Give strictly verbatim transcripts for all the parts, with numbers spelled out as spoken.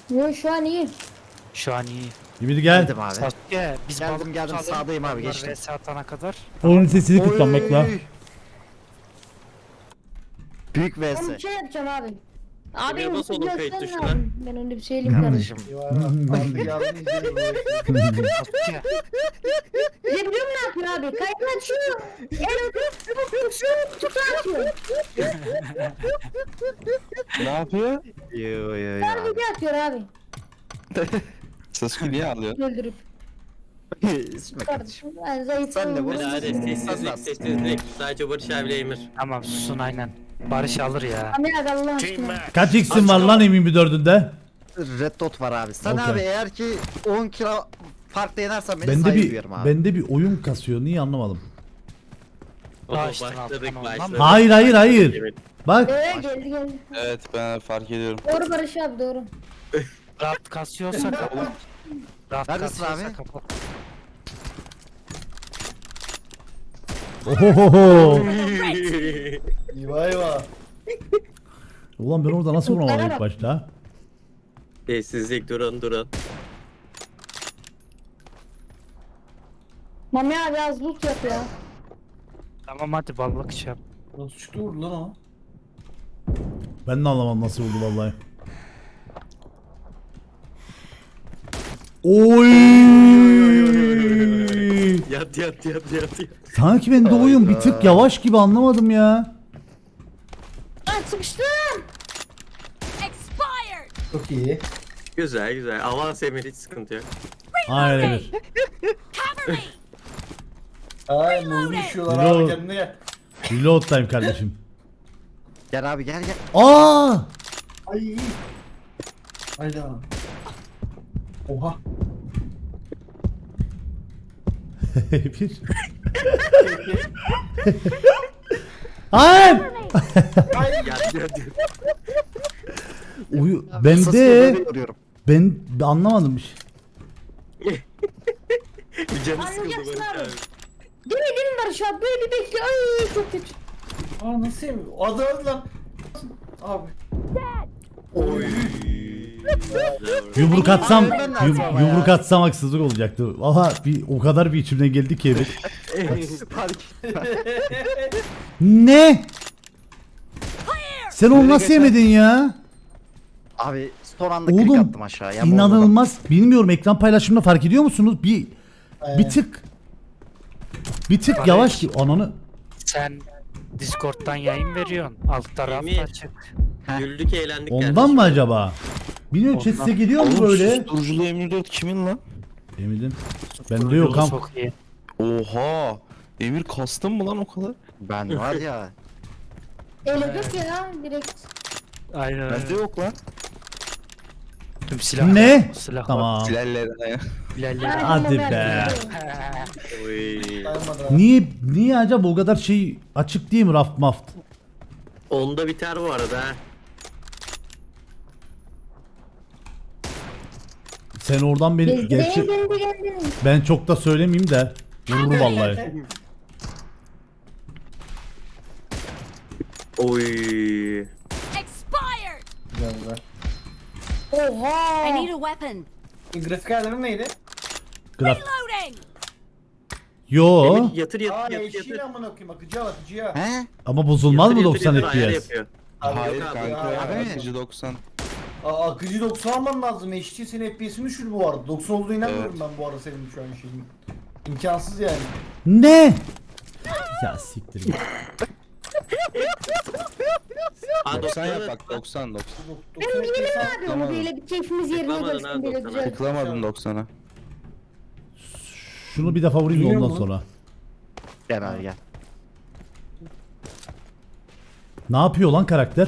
Yo şu an iyi. Şu an iyi. Ümidi gel. Geldim abi. Sasuke biz Geldim, balık geldim. tutalım. Sağdayım abi, Onlar geçtim. V S atana kadar. Onun sesini kıslanmak la. Oy. Büyük Ben vs. bir şey yapacağım abi. Abi Emir, bas oğlum kayıt gösterme tuşuna. abi. Ben öyle bir şey söyleyeyim kardeşim. Kardeşim. Artık yardım izliyorum. Sasuke. Ne biliyor musun ne yapıyor abi? Kayıt açıyor. El öpüp şu tutu atıyor. Ne yapıyor? Yo yo yo. Her video atıyor abi. Sasuke niye ağlıyor? Öldürüp. İsmi kardeşim. Kardeşim ben zayıf Sen de oldum. vur. Hadi hadi sessizlik Nasıl? sessizlik. Sadece Barış abiyle Emir. Tamam susun aynen. Barış alır ya. Amir abi Allah aşkına. Kaç x'in var lan emin bir dördünde? Red dot var abi. Sen Okey. abi eğer ki on kilo farkla yenersen beni Bende saygı bir duyarım abi. bende bir oyun kasıyor. Niye anlamadım. Oho, Baştan al, başladık tamam, başladık. tamam. Hayır hayır hayır. Emir. Bak. Ee, geldi geldi. Evet ben fark ediyorum. Doğru Barış abi doğru. Raft kasıyorsa kapat. Raft Neredesin kasıyorsa abi? kapat. Ohohoho. Eyvah eyvah. Ulan ben orada nasıl vuramadım ilk başta? Sessizlik durun durun. Mami abi az loot yap ya. Tamam hadi balık şey yap. Nasıl çıktı vurdu lan o? Ben de anlamadım nasıl vurdu vallahi. Oy! Yat yat yat yat yat. Sanki bende oyun bir tık yavaş gibi anlamadım ya. Lan sıkıştım. Expired! Çok iyi. Güzel güzel. Avans Emir, hiç sıkıntı yok. Aynen öyle. Cover me! Ay muzlu düşüyorlar Reload. abi kendine gel. Reload time kardeşim. Gel abi gel gel. Aa! Ay. Hayda. Oha. bir. Hayır! Ay. Yat yat yat. Uyu, Sasuke'yi bende böyle yoruyorum. ben ben anlamadım bir şey. Bir canı sıkıldı Anlayacaksın Barış abi. abi. Değil mi değil mi Barış abi? Böyle bir bekliyor. Ay çok kötü. Aa nasıl yemiyor? Adı adı lan. Abi. Oy. Yumruk atsam Ay, ben de yum- atsam ya. yumruk atsam haksızlık olacaktı. Valla bir o kadar bir içimden geldi ki evet. Fark. Ne? Sen onu nasıl yemedin ya? Abi son anda klik Oğlum attım aşağıya. inanılmaz. Bilmiyorum ekran paylaşımında fark ediyor musunuz? Bir bir tık bir tık Barış. yavaş ki ananı. Sen Discord'dan yayın veriyorsun. Altta raft Emir. açık. Güldük eğlendik. Ondan kardeşim. mı acaba? Bilmiyorum chat size geliyor mu Oğlum böyle? susturuculu M dört kimin lan? Eminim. Bende yok ham. Çok iyi. Oha. Emir kastın mı lan o kadar? Ben var ya. Eledik ya direkt. Aynen Bende öyle. yok lan. Tüm silah. Ne? Silah Tamam. Silerlerine ya. Bilal'le. Hadi be. Oy. Dayanmadı abi. Niye niye acaba o kadar şey açık değil mi raft maft? Onda biter bu arada ha. Sen oradan beni Gezdireye gerçi geldi geldi. ben çok da söylemeyeyim de vurur vallahi. Oy. Expired! Güzel güzel. Oha. I need a weapon. Grafik ayarları neydi? Graf. Loading! Yo Emir yatır Aa yatır yatır eşiğiyle yatır. amına koyayım akıcıya bak akıcıya. He? ama bozulmaz mı Yatır, doksan yatır, yatır, ayar F P S? yapıyor. Abi Hayır yok abi, kanka. abi. Akıcı doksan. Aa akıcı doksan alman lazım. H D senin F P S'ini düşür bu arada. doksan olduğuna inanmıyorum Evet. ben bu arada senin şu an şeyin. İmkansız yani. Ne? Ya siktir git. Ha, doksan yap doksanı- bak doksan doksan. Dok- Benim doksan F P S yemin al- abi onu böyle bir keyfimiz yerine Tıklamadın gelsin ha böyle doksana. güzel. Tıklamadım doksana. Şunu bir defa vurayım da Biliyor ondan musun? sonra. Gel abi gel. Ne yapıyor lan karakter?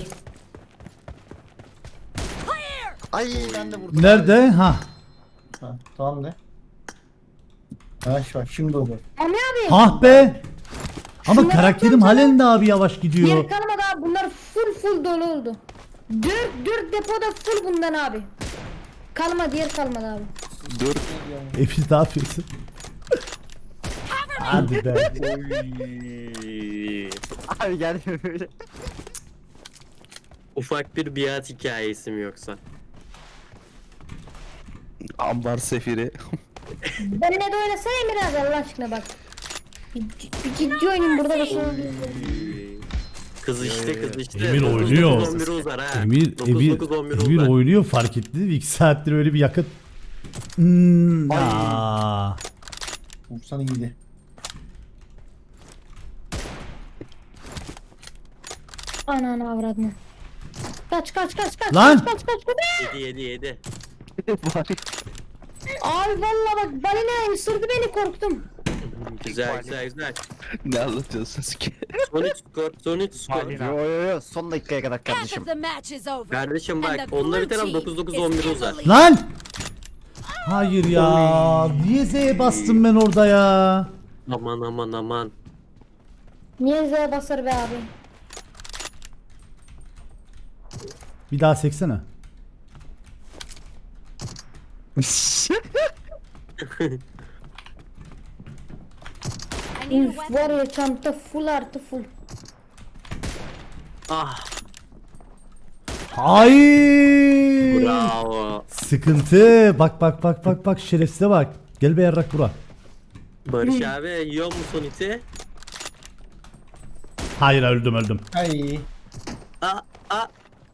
Ay ben de vurdum. Nerede? Ha. Ha, tamam de. Ha şu an şimdi oldu. Mami abi. Hah be. Ama Şunlara karakterim baksana. halen de abi yavaş gidiyor. Yer kalmadı abi bunlar full full dolu oldu. Dört, dört depoda full bundan abi. Kalmadı yer kalmadı abi. Dört. Efiz ne yapıyorsun? Hadi be. Oy. Abi gel böyle. Ufak bir biat hikayesi mi yoksa? Ambar sefiri. Benimle de oynasana Emir abi Allah aşkına bak. Bir, bir ciddi oynayayım burada da sonra. Kız işte kız işte. Emir dokuz, oynuyor. dokuz, on bir uzar ha. Emir, dokuz, Emir, dokuz, on bir Emir uzar. oynuyor fark ettiniz mi? iki saattir öyle bir yakıt. Hmm, aa. Vursan iyiydi. Ananı avradını. Kaç kaç kaç kaç Lan! kaç kaç kaç kaç. Yedi yedi yedi. Abi valla bak balina ısırdı beni korktum. Güzel güzel güzel. Ne anlatıyorsun ki? Son üç skor. Son üç skor. Balina. Yo yo yo son dakikaya kadar Half kardeşim. of the match is over. Kardeşim And bak the onunla blue biten team dokuz dokuz is on bir in uzar. the lead. Lan! Hayır ya. Niye Z'ye bastım ben orada ya? Aman aman aman. Niye Z'ye basar be abi? Bir daha seksene. I need a Üf weapon. var ya çanta full artı full. Ah Hayır. bravo. Sıkıntı. Bak bak bak bak bak şerefsize bak. Gel be yarrak bura. Barış abi yiyor mu son iti? Hayır öldüm öldüm. Ay. Aa aa.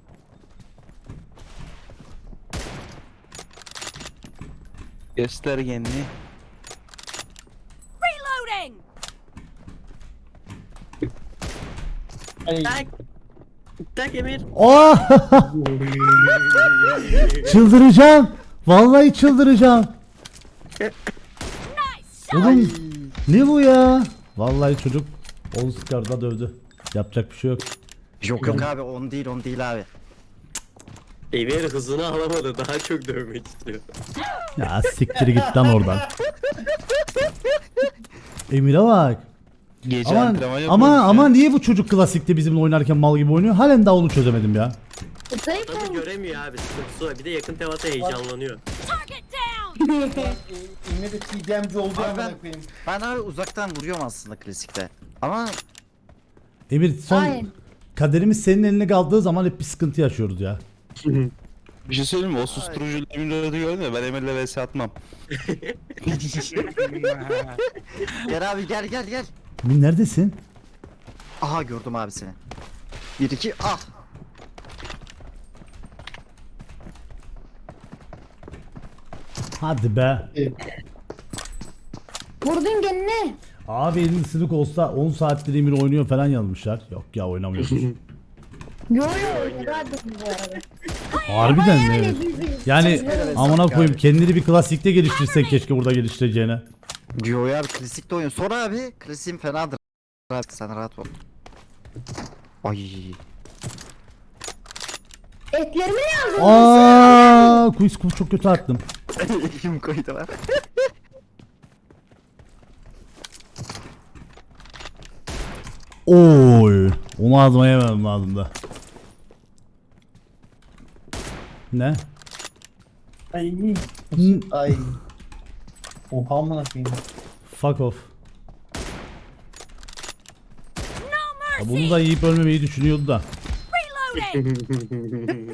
Göster kendini. Reloading. Ay. Tak. Tak Emir. Oh! Çıldıracağım. Vallahi çıldıracağım. Nice shot. Oğlum ne bu ya? Vallahi çocuk Oscar'da dövdü. Yapacak bir şey yok. Yok yok abi on değil on değil abi. Emir hızını alamadı. Daha çok dövmek istiyor. Ya siktir git lan oradan. Emir'e bak. Gece Aman, antrenman yapıyormuş ama ya. ama niye bu çocuk klasikte bizimle oynarken mal gibi oynuyor? Halen daha onu çözemedim ya. Zayıf Tabii olmuş. göremiyor abi. Sıkıntısı var. Bir de yakın temasa heyecanlanıyor. Target down. Yine de T D M'ci oldu Abi amına ben- koyayım. Ben abi uzaktan vuruyorum aslında klasikte. Ama Emir son Aynen. kaderimiz senin eline kaldığı zaman hep bir sıkıntı yaşıyoruz ya. Bir şey söyleyeyim mi? O susturucu Emir'i gördün ya ben Emir'le vs atmam. gel abi gel gel gel. Emir neredesin? Aha gördüm abi seni. Bir iki ah. Hadi be. Vurdun kendine. Abi elin ısırık olsa on saattir Emir oynuyor falan yazmışlar. Yok ya oynamıyormuş. Yo yo rahat bu arada. Harbiden mi? Yani Evet. biz- biz- Yani biz- amına koyayım kendini bir klasikte geliştirsek keşke burada geliştireceğine. Diyor ya abi klasikte oynuyor. Sonra abi klasiğim fenadır. Rahat sen rahat ol. Ay. Etlerimi ne aldın? Aa, quiz quiz çok kötü attım. Kim koydu lan? Oy, onu ağzıma yemem lazım da. Ne? Ay. N- Ay. Oha amına koyayım. Fuck off. No Ya mercy. bunu da yiyip ölmemeyi düşünüyordu da. Reloading.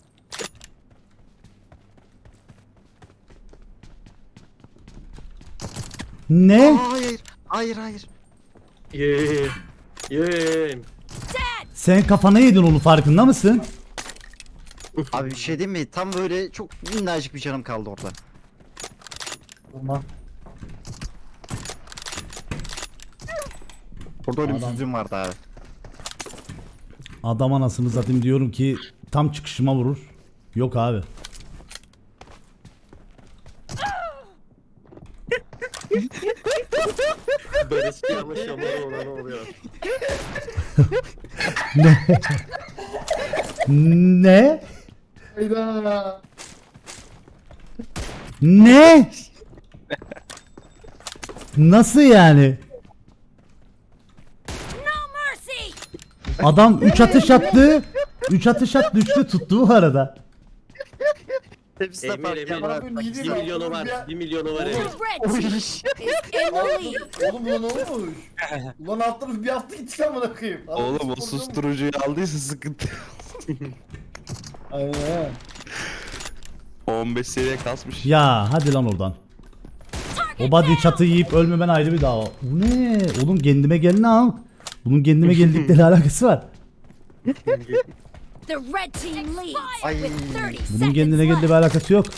Ne? Hayır. Hayır hayır. Yeee. Yeee. Sen kafana yedin onu farkında mısın? Abi bir şey diyeyim mi? Tam böyle çok minnacık bir canım kaldı orada. Vurma. Orada öyle bir Adam. sözüm vardı abi. Adam anasını zaten diyorum ki tam çıkışıma vurur. Yok abi. Barış ama şamarı olan oluyor. Ne? Hayda. Ne? Nasıl yani? No mercy. Adam üç atış attı. üç atış attı, üçlü tuttu bu arada. Hepsi de Emir fark Emir. ya. Bana bir bir yedi lan, milyonu oğlum var. ya. Bir milyonu var The Emir. red team is in the lead. Oğlum ulan olmuş. Ulan attınız bir hafta gittik amına koyayım. Adam Oğlum o sporcu mu? susturucuyu aldıysa sıkıntı. Aynen. O on beş seviye kasmış. Ya hadi lan oradan. O body çatı yiyip ölmemen ayrı bir dava. Bu ne? Oğlum kendime gelin al. Bunun kendime geldikleri alakası var. The red team leads Ay. with thirty Bunun seconds kendine geldiği bir left. alakası yok.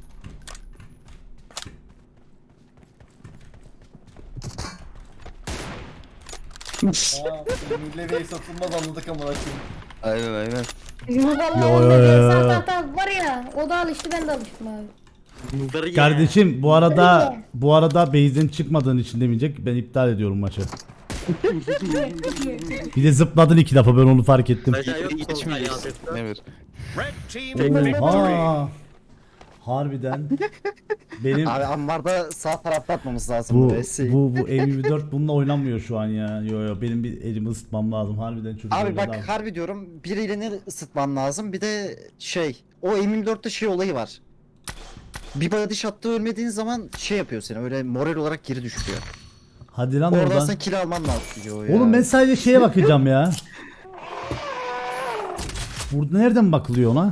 Ha, Milli satılmaz anladık amına koyayım. Aynen aynen. Vallahi Yo, yo, onda yo, bir yo. saat hata var ya. O da alıştı, ben de alıştım abi. Bunları ye. Kardeşim bu arada bu arada base'den çıkmadığın için demeyecek. Ben iptal ediyorum maçı. Bir de zıpladın iki defa, ben onu fark ettim. Aşağı yok. İçmeyiz. Emir. Oha. Harbiden. Benim Abi ambarda sağ tarafta atmamız lazım bu bu V'si. bu bu M yirmi dört bununla oynanmıyor şu an ya. Yo yo, benim bir elimi ısıtmam lazım. Harbiden çocuk Abi oynadı bak harbi diyorum, bir elini ısıtman lazım. Bir de şey, o M yirmi dörtte şey olayı var. Bir body shot'ta ölmediğin zaman şey yapıyor seni, öyle moral olarak geri düşürüyor. Hadi lan Oradan oradan. sen kill alman lazım diyor ya. Oğlum ben sadece şeye bakacağım ya. Burada nereden bakılıyor ona?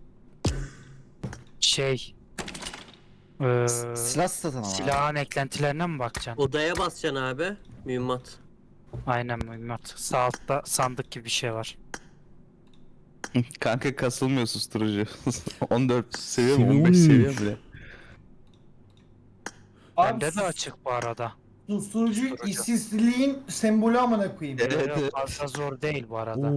Şey. Eee Silah satın ama. silahın eklentilerine mi bakacaksın? Odaya basacaksın abi. Mühimmat. Aynen mühimmat. Sağ altta sandık gibi bir şey var. Kanka kasılmıyor susturucu. on dört seviye mi? Seviye on beş seviye on üç. bile. Abi Bende de sus- açık bu arada. susturucu Susturucu. işsizliğin sembolü amına koyayım. Evet, Yok, evet. fazla zor değil bu arada. Oo.